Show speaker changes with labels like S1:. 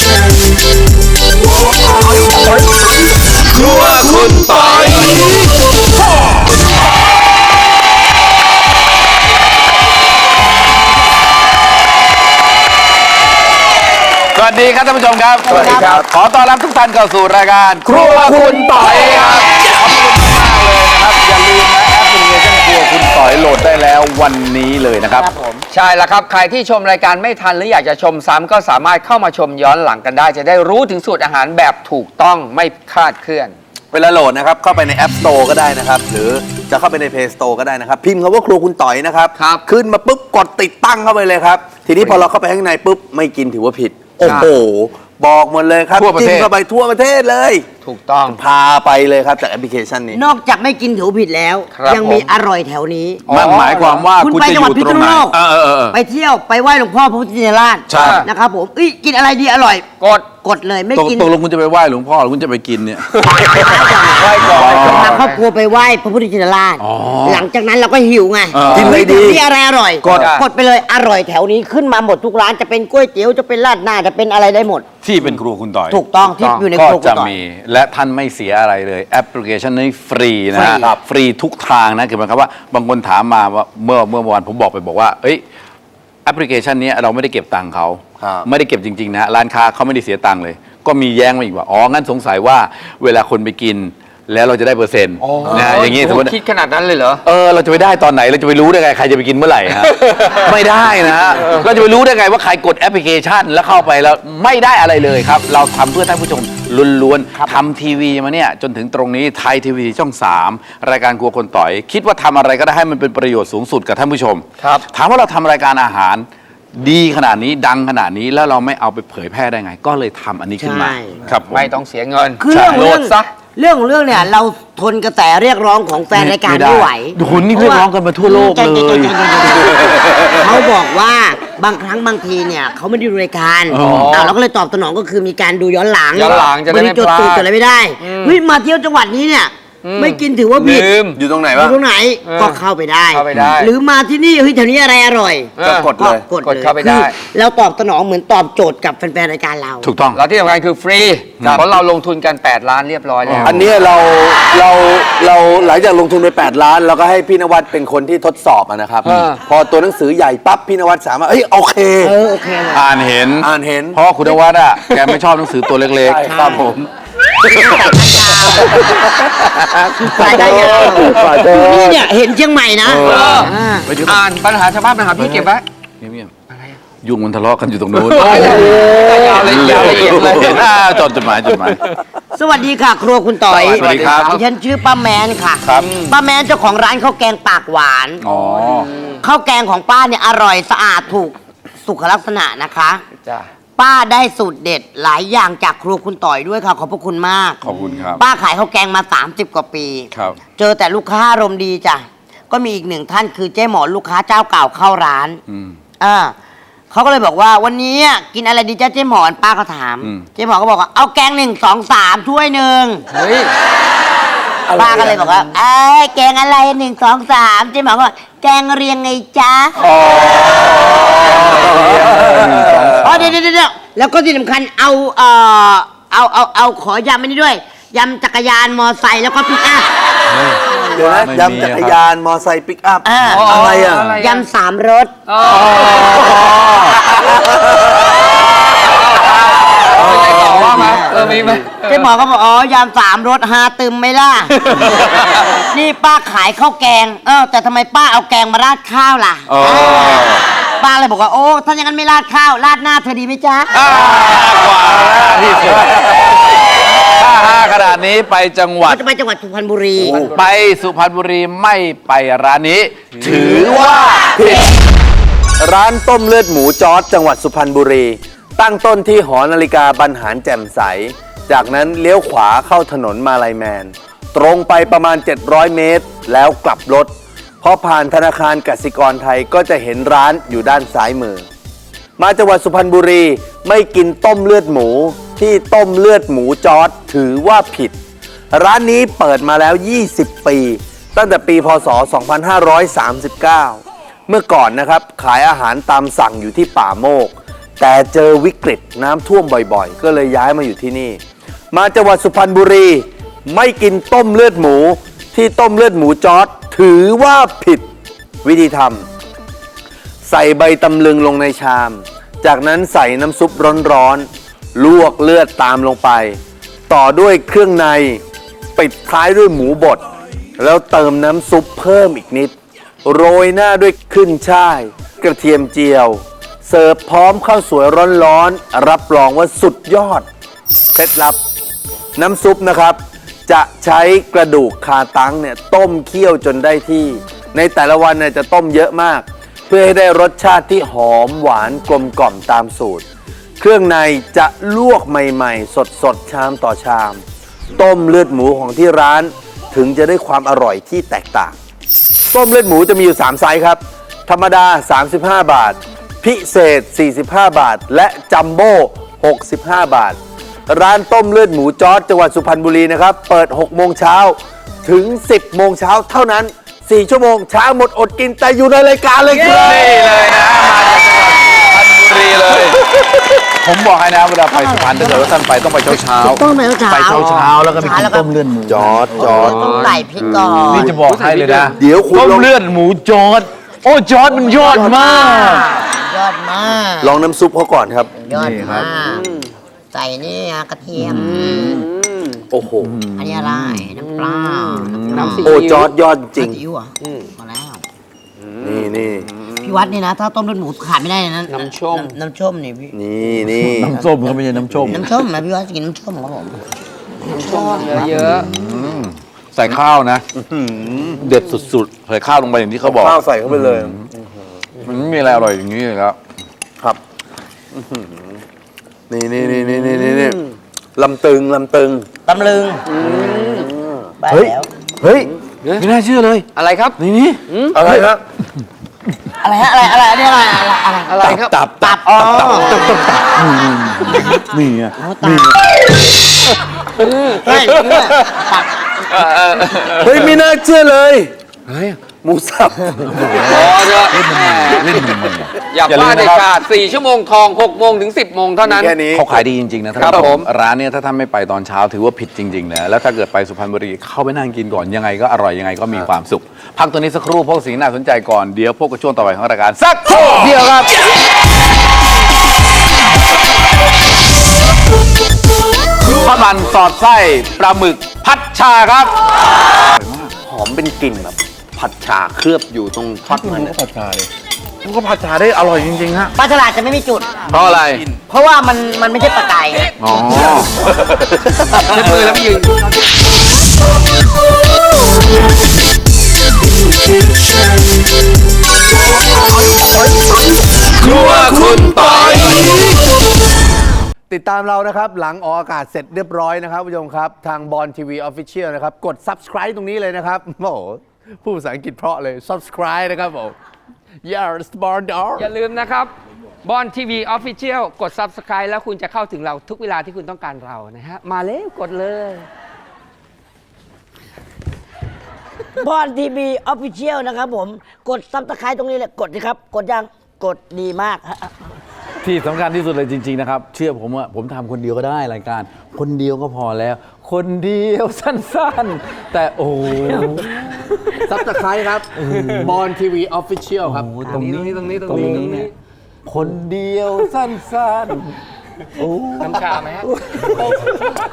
S1: ครัวคุณปอยสวัสดีครับท่านผู้ชมครับสวัสดีครับขอต้อนรับทุกท่านเข้าสู่รายการครัวคุณปอยครับขอบคุณมากเลยนะครับอย่าลืมนะแอปพลิเคชันครัวคุณปอยโหลดได้แล้ววันนี้เลยนะครับ
S2: ใช่แล้วครับใครที่ชมรายการไม่ทันหรืออยากจะชมซ้ำก็สามารถเข้ามาชมย้อนหลังกันได้จะได้รู้ถึงสูตรอาหารแบบถูกต้องไม่คลาดเคลื่อน
S1: เวลาโหลดนะครับเข้าไปใน App Store ก็ได้นะครับหรือจะเข้าไปใน Play Store ก็ได้นะครับพิมพ์คำว่าครัวคุณต่อยนะครับขึ้นมาปุ๊บกดติดตั้งเข้าไปเลยครับทีนี้พอเราเข้าไปข้างในปุ๊บไม่กินถือว่าผิดโอ้โหบอกหมดเลยครับจิ้มเข้าไปทั่วประเทศเลย
S2: ถูกต้อง
S1: พาไปเลยครับจากแอปพลิเคชันนี้
S3: นอกจากไม่กินถือผิดแล้วยังมีอร่อยแถวนี้
S1: มันหมายความว่าคุณจะอยู่ตรงไหน
S3: ไปเที่ยวไปไหว้หลวงพ่อพระพุทธชินราชนะครับผมกินอะไรดีอร่อยกดเลยไม่กิน
S4: ตกลงคุณจะไปไหว้หลวงพ่อหรือคุณจะไปกินเนี่ย
S3: ไหว้ก่อนพาครอบครัวไปไหว้พระพุทธชินราชหลังจากนั้นเราก็หิวไง
S1: กินอะไรดี
S3: ที่อะไรอร่อยกดไปเลยอร่อยแถวนี้ขึ้นมาหมดทุกร้านจะเป็นก๋วยเตี๋ยวจะเป็นราดหน้าจะเป็นอะไรได้หมด
S4: ที่เป็นครัวคุณต่อย
S3: ถูกต้องที่อยู่ในครัวคุณ
S4: ต่อยก็จะมีและท่านไม่เสียอะไรเลยแอปพลิเคชันนี้ฟรีนะครับฟรีทุกทางนะคือหมายความว่าบางคนถามมาว่าเมื่อวันผมบอกว่าแอปพลิเคชันนี้เราไม่ได้เก็บตังค์เขาไม่ได้เก็บจริงๆนะร้านค้าเขาไม่ได้เสียตังค์เลยก็มีแย้งมาอีกว่างั้นสงสัยว่าเวลาคนไปกินแล้วเราจะได้เปอร์เซ็นต์นะอย่างนี้สมมติ
S2: คิดขนาดนั้นเลยเหรอ
S4: เราจะไปได้ตอนไหนเราจะไปรู้ได้ไงใครจะไปกินเมื่อไหร่ฮะไม่ได้นะฮะเราจะไปรู้ได้ไงว่าใครกดแอปพลิเคชันแล้วเข้าไปแล้วไม่ได้อะไรเลยครับเราทำเพื่อท่านผู้ชมล้วนๆทำทีวีมาเนี่ยจนถึงตรงนี้ไทยทีวีช่อง3รายการครัวคนต่อยคิดว่าทำอะไรก็ได้ให้มันเป็นประโยชน์สูงสุดกับท่านผู้ชมถามว่าเราทำรายการอาหารดีขนาดนี้ดังขนาดนี้แล้วเราไม่เอาไปเผยแพร่ได้ไงก็เลยทำอันนี้ขึ้นมาครับ
S2: ไม่ต้องเสียเงิน
S3: คือโหลดซะเรื่องเนี่ยเราทนกระแสเรียกร้องของแฟนรายการไม่ไหว
S4: คุณนี่เรียกร้องกันมาทั่วโลกเลย
S3: เขาบอกว่าบางครั้งบางทีเนี่ยเขาไม่ได้ดูรายการเราก็เลยตอบสนองก็คือมีการดูย้อนหลัง
S2: จะได้ไม่
S3: จดตูดจดอะไรไม่ได้มาเที่ยวจังหวัดนี้เนี่ยไม่กินถือว่าผิด
S1: อยู่ตรงไหนวะ
S3: อยู่ตรงไหนก็เข้าไปได้หรือมาที่นี่แถวนี้อะไรอร่อย
S1: ก็กดเลย
S3: กดเข้าไปได้เราตอบสนองเหมือนตอบโจทย์กับแฟนๆรายการเรา
S4: ถูกต้อง
S2: แล้วที่สำคัญคือฟรีเพราะเราลงทุนกัน8 ล้านเรียบร้อยแล้ว
S1: อันนี้เราหลังจากลงทุนไป8 ล้านเราก็ให้พี่นวัดเป็นคนที่ทดสอบนะครับพอตัวหนังสือใหญ่ปั๊บพี่นวัดสามารถโอเค
S4: อ่านเห็นเพราะคุณนวัดแกไม่ชอบหนังสือตัวเล็กๆ
S1: ครับผม
S3: ฝ่ายได้ยังนี่เนี่ยเห็นเชียงใหม่นะ
S2: อ่านปัญหาชาวบ้านปัญหาพี่เก็บไว้
S4: เงียบๆยุงมันทะเลาะกันอยู่ตรงนู้น
S2: ยาวละเอียดเลย
S4: จดหมาย
S3: สวัสดีค่ะครัวคุณต่อย
S4: สวัสดีครับ
S3: ฉันชื่อป้าแมนค่ะป้าแมนเจ้าของร้านข้าวแกงปากหวานข้าวแกงของป้าเนี่ยอร่อยสะอาดถูกสุขลักษณะนะคะป้าได้สูตรเด็ดหลายอย่างจากครัวคุณต่อยด้วยค่ะขอบพระคุณมาก
S4: ขอบคุณครับ
S3: ป้าขายข้าวแกงมา30กว่าปี
S4: ครับ
S3: เจอแต่ลูกค้าอารมณ์ดีจ้ะก็มีอีกหนึ่งท่านคือเจ๊หมอลูกค้าเจ้าเก่าเข้าร้านเขาก็เลยบอกว่าวันนี้กินอะไรดีจ้าเจ๊หมอนป้าก็ถามเจ๊หมอก็บอกว่าเอาแกง1 2 3ถ้วยหนึ่งป้าก็เลยบอกว่าแกงอะไร1 2 3เจ๊หมอก็แกงเรียงไงจ๊ะเดี๋ยวแล้วก็ที่สำคัญเอาขอยำอันนี้ด้วยยำจักรยานมอไซค์แล้วก็ปิกอัพ
S1: เดี๋ยวนะยำจักรยานมอไซค์ปิกอัพอะไร
S3: ยำ3 รส
S2: ว่ามามีไหม
S3: เจ๊หมอก็บอกยำ3 รส5ตึมไหมล่ะนี่ป้าขายข้าวแกงแต่ทำไมป้าเอาแกงมาราดข้าวล่ะป้าเลยบอกว่าถ้าอย่างนั้นไม่ราดข้าวราดหน้าเธอดีไหมจ๊ะ
S4: กว่าที่สุดถ้าขนาดนี้ไปจังหวัด
S3: จะไปจังหวัดสุพรรณบุรี
S4: ไปสุพรรณบุรีไม่ไปร้านนี้ถือว่าผิด
S1: ร้านต้มเลือดหมูจอร์จจังหวัดสุพรรณบุรีตั้งต้นที่หอนาฬิกาบรรหารแจ่มใสจากนั้นเลี้ยวขวาเข้าถนนมาลัยแมนตรงไปประมาณ700 เมตรแล้วกลับรถพอผ่านธนาคารกสิกรไทยก็จะเห็นร้านอยู่ด้านซ้ายมือมาจังหวัดสุพรรณบุรีไม่กินต้มเลือดหมูที่ต้มเลือดหมูจอร์จถือว่าผิดร้านนี้เปิดมาแล้ว20 ปีตั้งแต่ปีพศ 2539 เมื่อก่อนนะครับขายอาหารตามสั่งอยู่ที่ป่าโมกแต่เจอวิกฤตน้ำท่วมบ่อยๆ ก็เลยย้ายมาอยู่ที่นี่ มาจังหวัดสุพรรณบุรี ไม่กินต้มเลือดหมูที่ต้มเลือดหมูจอร์จถือว่าผิดวิธีทำใส่ใบตำลึงลงในชาม จากนั้นใส่น้ำซุปร้อนๆลวกเลือดตามลงไป ต่อด้วยเครื่องในปิดท้ายด้วยหมูบดแล้วเติมน้ำซุปเพิ่มอีกนิด โรยหน้าด้วยขึ้นช่าย กระเทียมเจียว เสิร์ฟพร้อมข้าวสวยร้อนๆรับรองว่าสุดยอดเคล็ดลับ น้ำซุปนะครับ จะใช้กระดูกคาตังเนี่ยต้มเคี่ยวจนได้ที่ ในแต่ละวันเนี่ยจะต้มเยอะมาก เพื่อให้ได้รสชาติที่หอมหวานกลมกล่อมตามสูตร เครื่องในจะลวกใหม่ๆ สดๆชามต่อชาม ต้มเลือดหมูของที่ร้านถึงจะได้ความอร่อยที่แตกต่าง ต้มเลือดหมูจะมีอยู่ 3 ไซส์ครับ ธรรมดา 35 บาท พิเศษ 45 บาท และจัมโบ้ 65 บาท ร้านต้มเลือดหมูจอร์จจังหวัดสุพรรณบุรีนะครับ เปิด 6 โมงเช้าถึง 10 โมงเช้าเท่านั้น 4 ชั่วโมงเช้าหมดอดกินแต่อยู่ในรายการเลยครับ
S4: นี่เลยนะมาจากจังหวัดสุพรรณบุรีเลย ผมบอกให้นะเวลาไปสุพรรณถ้าเกิดว่าท่านไปต้องไปเช้า
S3: ต้องไปเช้า
S4: ไปเช้าแล้วก็ไปกินต้มเลือดหมู
S1: จอร์จ
S3: ต้องใส่พริกก่อน
S4: นี่จะบอกให้เลยนะ
S1: เดี๋ยวคุณ
S4: ต้ม
S1: ลอง
S4: เลือดหมูจอร์จโอ้จอร์จมันยอดมาก
S3: ยอดมาก
S1: ลองน้ำซุปเขาก่อนครับ
S3: ยอด
S4: นี่ครั
S3: มา
S4: บ
S3: กใส่นี่นะกระเทียม
S1: โอ้โห
S3: อันนี้อะไรน้ำปลา
S2: น้ำซี
S1: โอ้
S2: อิ๊ว
S1: จอร์จยอดจริง
S3: ซีอิ๊วเหรอมาแล้ว
S1: นี่
S3: พี่วัดนี่นะ ถ้าต้มเลือดหมูขาดไม่ได้เลยนะ
S2: น้ำส้ม
S3: น้ำส้มนี่พี่
S1: นี่
S4: น้ำส้มเขาไม่ใช่น้ำส้ม
S3: น้ำส้มนะพี่วัดกินน้ำส้มครับผม
S2: น้ำส้มเยอะ
S4: ใส่ข้าวนะ เด็ดสุดๆใส่ข้าวลงไปอย่างที่เขาบอก
S1: ข้าวใส่เข้าไปเลย
S4: มันไม่มีอะไรอร่อยอย่างนี้เลยครับ
S1: ครับนี่ลำตึง
S3: ตำลึงไป
S1: เฮ้ย
S3: แล้ว
S1: เฮ้ย
S4: ไม่น่าเชื่อเลย
S2: ๆอะไรครับ
S4: นี่
S1: อะไรฮะ
S3: อะไรฮะอะไรอันนี้อะไรอะไร
S2: อะไรครับ
S3: ตับอ๋อ
S4: นี่ไง
S3: ตับเฮ้ยเนี่ยตับ
S1: เฮ้ย ไม่น่าเชื่อเลย
S4: อะไรอะ
S1: หมูสับ
S2: พอเถอะ
S4: เล่นมัน
S2: อย่าพลาดเด็ดขาด4 ชั่วโมงทอง 6 โมงถึง 10 โมงเท่านั้น
S1: แค่นี้
S4: เขาขายดีจริง ๆ นะ
S2: ครับผม
S4: ร้านเนี้ยถ้าท่านไม่ไปตอนเช้าถือว่าผิดจริง ๆ นะ แล้วถ้าเกิดไปสุพรรณบุรีเข้าไปนั่งกินก่อนยังไงก็อร่อยยังไงก็มีความสุข พักตัวนี้สักครู่พวกสิ่งน่าสนใจก่อนเดี๋ยวพวกกับช่วงต่อไปของรายการสักครู่เดียวครับ ทอดมันสอดไส้ปลาหมึกพัดชาครับ
S1: หอมเป็นกลิ่นแบบ ผัดฉ่าเคลือบอยู่ตรงทอดมัน
S4: ก็ผัดชาเลยมันก็ผัดชาได้อร่อยจริงๆฮะ
S3: ปลาฉลาดจะไม่มีจุด
S4: เพราะอะไร
S3: เพราะว่ามันไม่ใช่ปลาไก่ไง
S4: อ๋อ
S2: ใช้มือแล้วไม่ยืน
S4: ครัวคุณปอย
S1: ติดตามเรานะครับ หลังออกอากาศเสร็จเรียบร้อยนะครับผู้ชมครับ ทางบอลทีวีออฟฟิเชียลนะครับ กด subscribe ตรงนี้เลยนะครับ โอ้โหพูดภาษาอังกฤษเพราะเลย subscribe นะครับผม yes born dog
S2: อย่าลืมนะครับบอลทีวีออฟฟิเชียลกด Subscribe แล้วคุณจะเข้าถึงเราทุกเวลาที่คุณต้องการเรานะฮะ มาเร็วกดเลย
S3: บอลทีวีออฟฟิเชียลนะครับผม กดซับสไครต์ตรงนี้เลยกดสิครับ กดยังกดดีมากฮะ
S4: ที่สำคัญที่สุดเลยจริง ๆ นะครับ เชื่อผมว่าผมทำคนเดียวก็ได้รายการ คนเดียวก็พอแล้ว คนเดียวสั้นๆ แต่โอ้โห
S1: subscribe ครับบอลทีวีออฟฟิเชียลครับ
S4: ตรงนี้เนี่ยคนเดียวสั้นๆ โอ้
S2: น้ำชาไหมฮะ